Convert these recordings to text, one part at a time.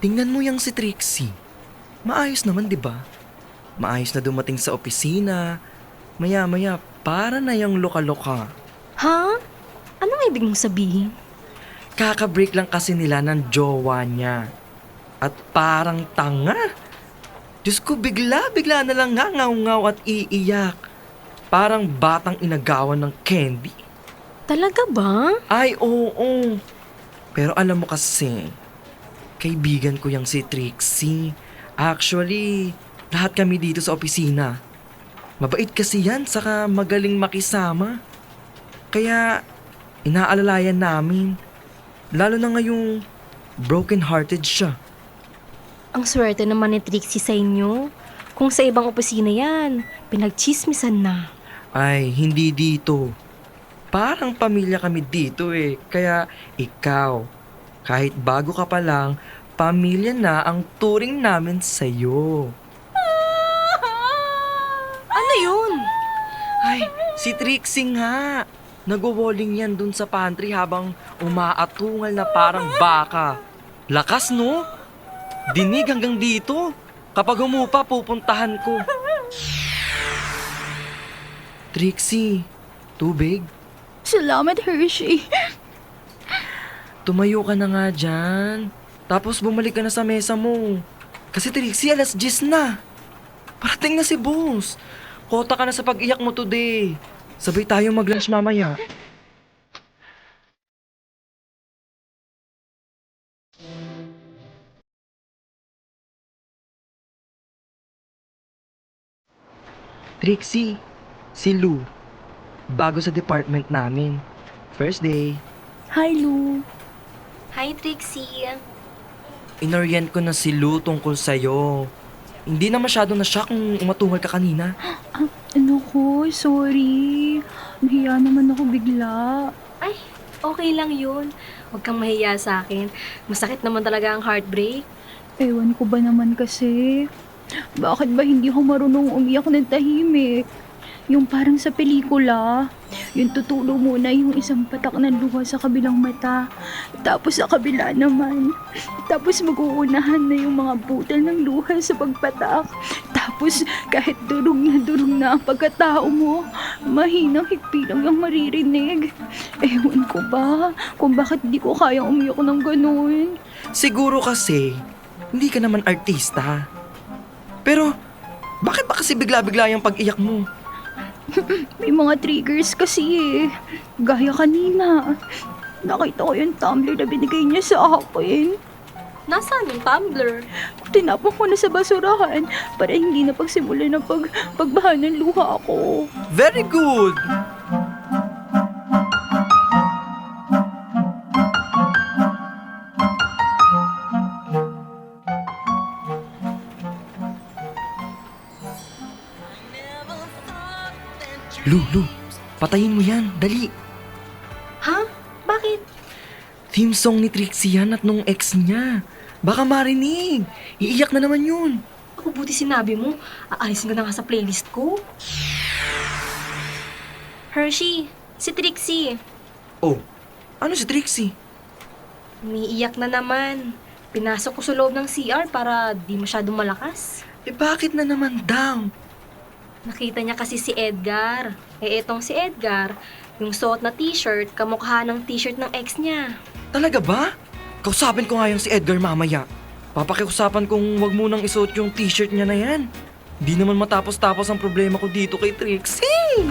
Tingnan mo yang si Trixie. Maayos naman, di ba? Maayos na dumating sa opisina. Maya-maya, para na yung loka-loka. Ha? Anong ibig mong sabihin? Kaka-break lang kasi nila ng jowa niya. At parang tanga. Diyos ko, bigla-bigla na lang ngangaw-ngaw at iiyak. Parang batang inagawan ng candy. Talaga ba? Ay, oo. Pero alam mo kasi, kaibigan ko yang si Trixie. Actually, lahat kami dito sa opisina. Mabait kasi yan, saka magaling makisama. Kaya, inaalalayan namin. Lalo na ngayong broken-hearted siya. Ang swerte naman ni Trixie sa inyo. Kung sa ibang opisina yan, pinagchismisan na. Ay, hindi dito. Parang pamilya kami dito eh. Kaya ikaw, kahit bago ka pa lang, pamilya na ang turing namin sa'yo. Ano yun? Ay, si Trixie nga. Nagwo-walling yan dun sa pantry habang umaatungal na parang baka. Lakas no? Dinig hanggang dito. Kapag humupa, pupuntahan ko. Trixie, tubig? Salamat, Hershey. Tumayo ka na nga dyan. Tapos bumalik ka na sa mesa mo. Kasi Trixie, alas 10 na. Parating na si boss. Kota ka na sa pag-iyak mo today. Sabay tayo mag-lunch mamaya. Trixie, si Lou. Bago sa department namin. First day. Hi, Lou. Hi, Trixie. Inorient ko na si Lou tungkol sa'yo. Hindi na masyado na shock kung umatungal ka kanina. Ano ko? Sorry. Nahiya naman ako bigla. Ay, okay lang yun. Huwag kang mahiya sa akin. Masakit naman talaga ang heartbreak. Ewan ko ba naman kasi. Bakit ba hindi ako marunong umiyak ng tahimik? Yung parang sa pelikula. Yung tutulo muna yung isang patak ng luha sa kabilang mata. Tapos sa kabila naman. Tapos mag-uunahan na yung mga butal ng luha sa pagpatak. Tapos kahit durog na ang pagkatao mo, mahinang higpi lang yung maririnig. Ewan ko ba kung bakit di ko kayang umiyak ng ganun. Siguro kasi, hindi ka naman artista. Pero, bakit ba kasi bigla-bigla yung pag-iyak mo? May mga triggers kasi eh. Gaya kanina. Nakita ko yung tumbler na binigay niya sa akin. Nasaan yung tumbler? Tinapon ko na sa basurahan para hindi na pagsimulan ng pagbaha ng luha ko. Very good! Lu, patayin mo yan, dali. Ha? Bakit? Theme song ni Trixie yan at nung ex niya. Baka marinig. Iiyak na naman yun. Ako buti sinabi mo. Aalisin ko na nga sa playlist ko. Hershey, si Trixie. Oh, ano si Trixie? Umiiyak na naman. Pinasok ko sa loob ng CR para di masyadong malakas. Eh bakit na naman daw? Nakita niya kasi si Edgar. Eh etong si Edgar, yung suot na t-shirt, kamukha ng t-shirt ng ex niya. Talaga ba? Kausapin ko nga yung si Edgar mamaya. Papakiusapan kong wag mo nang isuot yung t-shirt niya na yan. Di naman matapos-tapos ang problema ko dito kay Trixie.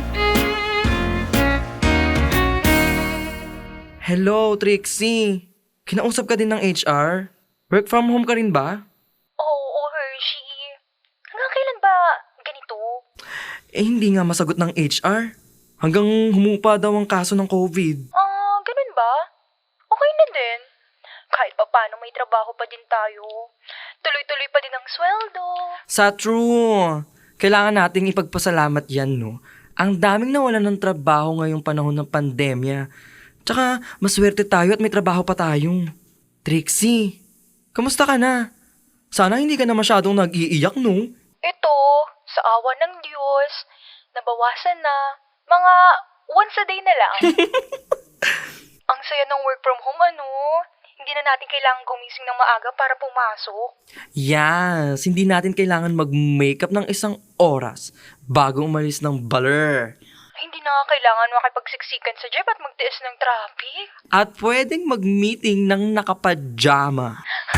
Hello, Trixie. Kinausap ka din ng HR? Work from home ka rin ba? Oo, Hershey. Hanggang kailan ba ganito? Eh, hindi nga masagot ng HR. Hanggang humupa daw ang kaso ng COVID. Ganun ba? Okay na din. Kahit pa paano may trabaho pa din tayo. Tuloy-tuloy pa din ang sweldo. Sa true. Kailangan nating ipagpasalamat yan, no? Ang daming nawalan ng trabaho ngayong panahon ng pandemya. Tsaka, maswerte tayo at may trabaho pa tayong. Trixie, kamusta ka na? Sana hindi ka na masyadong nag-iiyak, no? Ito, sa awa ng Diyos, nabawasan na. Mga once a day na lang. Ang saya ng work from home, ano? Hindi na natin kailangan gumising ng maaga para pumasok. Yes, hindi natin kailangan mag-makeup ng isang oras bago umalis ng baler. Hindi na nga kailangan makipagsiksikan sa jeep at magtiis ng traffic. At pwedeng mag-meeting ng nakapajama.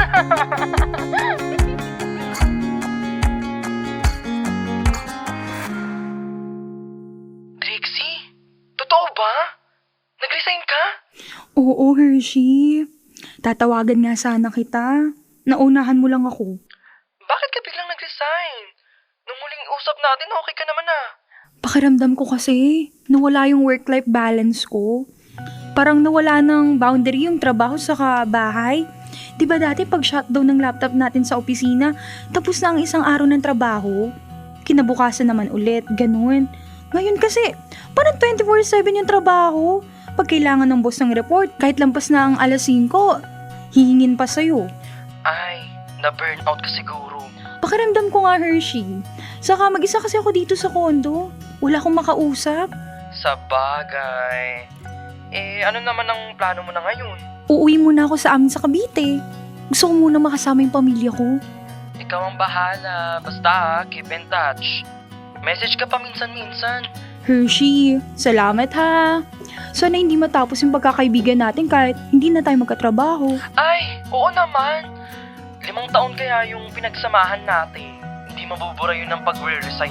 Trixie, totoo ba? Nag-resign ka? Oo, Hershey. Tatawagan nga sana kita. Naunahan mo lang ako. Bakit ka biglang nag-resign? Nung huling usap natin, okay ka naman ah. Pakiramdam ko kasi, nawala yung work-life balance ko. Parang nawala ng boundary yung trabaho sa bahay. Diba dati pag shutdown ng laptop natin sa opisina, tapos na ang isang araw ng trabaho? Kinabukasan naman ulit, ganun. Ngayon kasi, parang 24/7 yung trabaho. Pag kailangan ng boss ng report, kahit lampas na ang alas 5, hihingin pa sa'yo. Ay, na-burnout ka siguro. Pakiramdam ko nga, Hershey. Saka mag-isa kasi ako dito sa kondo. Wala akong makausap. Sa bagay. Ano naman ang plano mo na ngayon? Uuwi muna ako sa amin sa Cavite. Gusto ko muna makasama yung pamilya ko. Ikaw ang bahala. Basta, keep in touch. Message ka pa minsan-minsan. Hershey, salamat ha. Sana hindi matapos yung pagkakaibigan natin kahit hindi na tayo magkatrabaho. Ay, oo naman. 5 taon kaya yung pinagsamahan natin. Hindi mabubura yun ng pag-resign.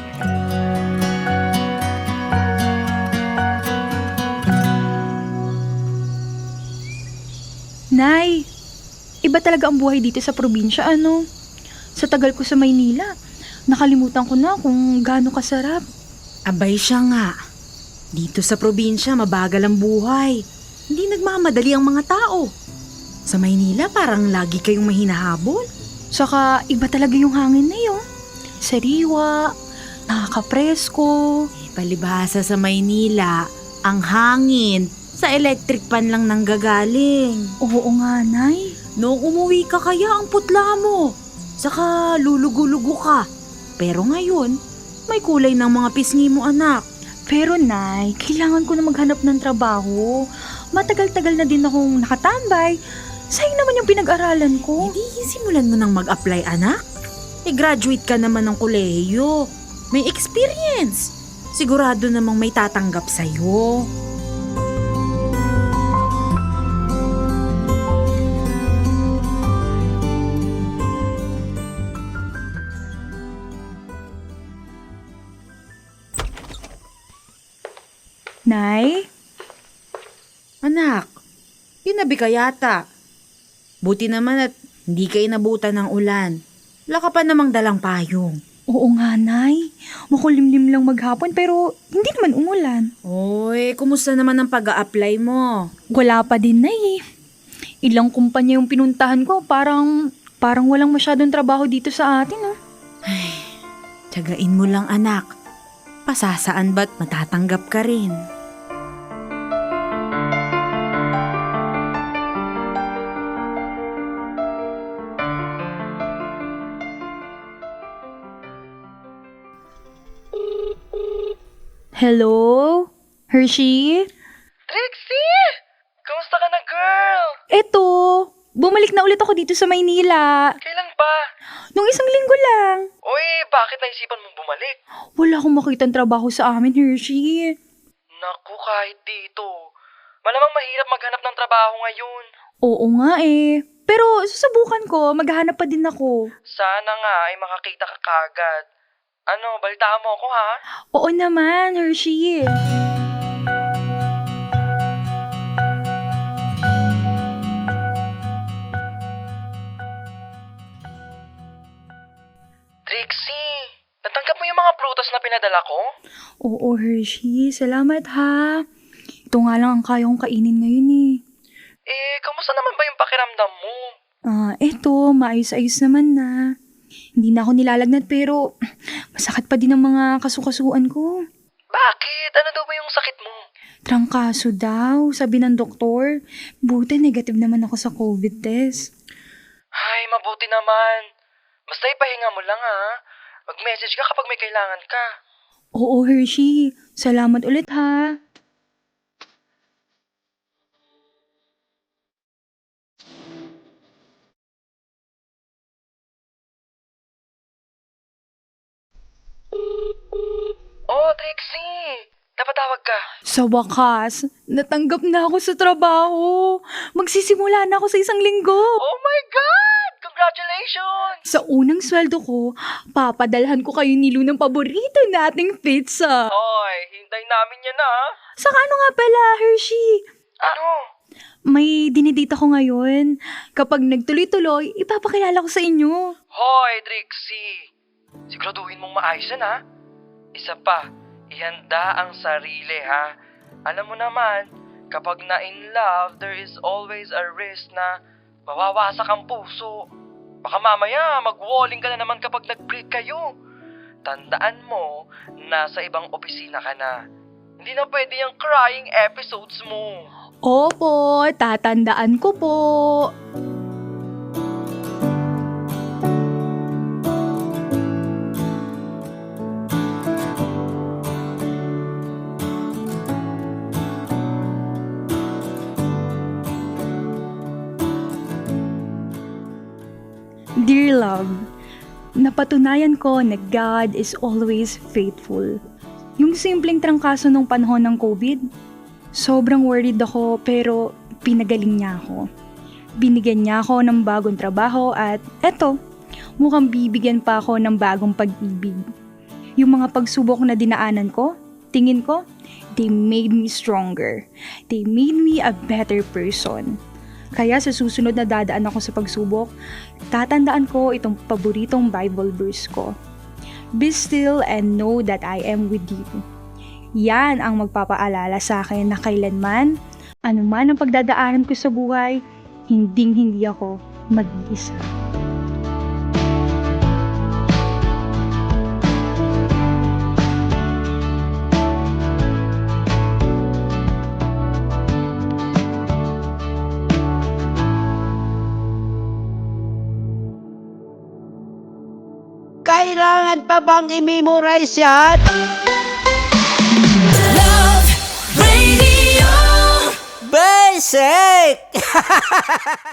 Nay, iba talaga ang buhay dito sa probinsya, ano? Sa tagal ko sa Maynila, nakalimutan ko na kung gaano kasarap. Abay siya nga. Dito sa probinsya, mabagal ang buhay. Hindi nagmamadali ang mga tao. Sa Maynila, parang lagi kayong mahinahabol. Saka iba talaga yung hangin na yun. Sariwa, nakakapresko. Palibhasa sa Maynila, ang hangin sa electric pan lang nanggagaling. Oo nga, Nay. Noong umuwi ka kaya ang putla mo. Saka lulugo-lugo ka. Pero ngayon, may kulay ng mga pisngi mo, anak. Pero Nay, kailangan ko na maghanap ng trabaho. Matagal-tagal na din akong nakatambay. Sayang naman yung pinag-aralan ko. Hindi, simulan mo nang mag-apply, anak. Graduate ka naman ng kolehiyo. May experience. Sigurado namang may tatanggap sa'yo. Nay? Anak, ginabi ka yata. Buti naman at hindi ka inabutan ng ulan. Wala ka pa namang dalang payong. Oo nga, Nay. Makulimlim lang maghapon pero hindi naman umulan. Oy, kumusta naman ang pag-a-apply mo? Wala pa din, Nay. Ilang kumpanya yung pinuntahan ko. Parang walang masyadong trabaho dito sa atin, ah. Tiyagain mo lang, anak. Pasasaan ba't matatanggap ka rin? Hello? Hershey? Trixie! Kamusta ka na, girl? Eto, bumalik na ulit ako dito sa Maynila. Kailan ba? Nung isang linggo lang. Uy, bakit naisipan mong bumalik? Wala akong makitang trabaho sa amin, Hershey. Naku, kahit dito. Malamang mahirap maghanap ng trabaho ngayon. Oo nga eh. Pero susubukan ko, maghahanap pa din ako. Sana nga ay makakita ka kagad. Ano, balitaan mo ako ha? Oo naman, Hershey. Trixie, natanggap mo yung mga prutas na pinadala ko? Oo, Hershey. Salamat ha. Ito nga lang ang kaya kong kainin ngayon eh. Kamusta naman ba yung pakiramdam mo? Eto, maayos-ayos naman na. Hindi na ako nilalagnat pero masakit pa din ang mga kasukasuan ko. Bakit? Ano daw ba yung sakit mo? Trangkaso daw, sabi ng doktor. Buti negative naman ako sa COVID test. Ay, mabuti naman. Basta ipahinga mo lang ha. Mag-message ka kapag may kailangan ka. Oo, Hershey. Salamat ulit ha. Trixie! Napatawag ka. Sa wakas, natanggap na ako sa trabaho. Magsisimula na ako sa 1 linggo. Oh my God! Congratulations! Sa unang sweldo ko, papadalhan ko kayo ni Lou ng paborito nating pizza. Hoy, hintay namin yan ah. Saka ano nga pala, Hershey? Ano? May dinidate ako ngayon. Kapag nagtuloy-tuloy, ipapakilala ko sa inyo. Hoy, Trixie! Siguraduhin mong maayos yan ha. Isa pa, ihanda ang sarili ha. Alam mo naman, kapag na-in love, there is always a risk na mawawasak ang puso. Baka mamaya mag-walling ka na naman kapag nag-break kayo. Tandaan mo, nasa ibang opisina ka na. Hindi na pwede yung crying episodes mo. Opo, tatandaan ko po. Dear love, napatunayan ko na God is always faithful. Yung simpleng trangkaso nung panahon ng COVID, sobrang worried ako pero pinagaling niya ako. Binigyan niya ako ng bagong trabaho at eto, mukhang bibigyan pa ako ng bagong pag-ibig. Yung mga pagsubok na dinaanan ko, tingin ko, they made me stronger. They made me a better person. Kaya sa susunod na dadaan ako sa pagsubok, tatandaan ko itong paboritong Bible verse ko. Be still and know that I am with you. Yan ang magpapaalala sa akin na kailanman, anuman ang pagdadaanan ko sa buhay, hinding-hindi ako mag-isa. Kailangan pa bang i-memorize yan? Love Radio. Basic!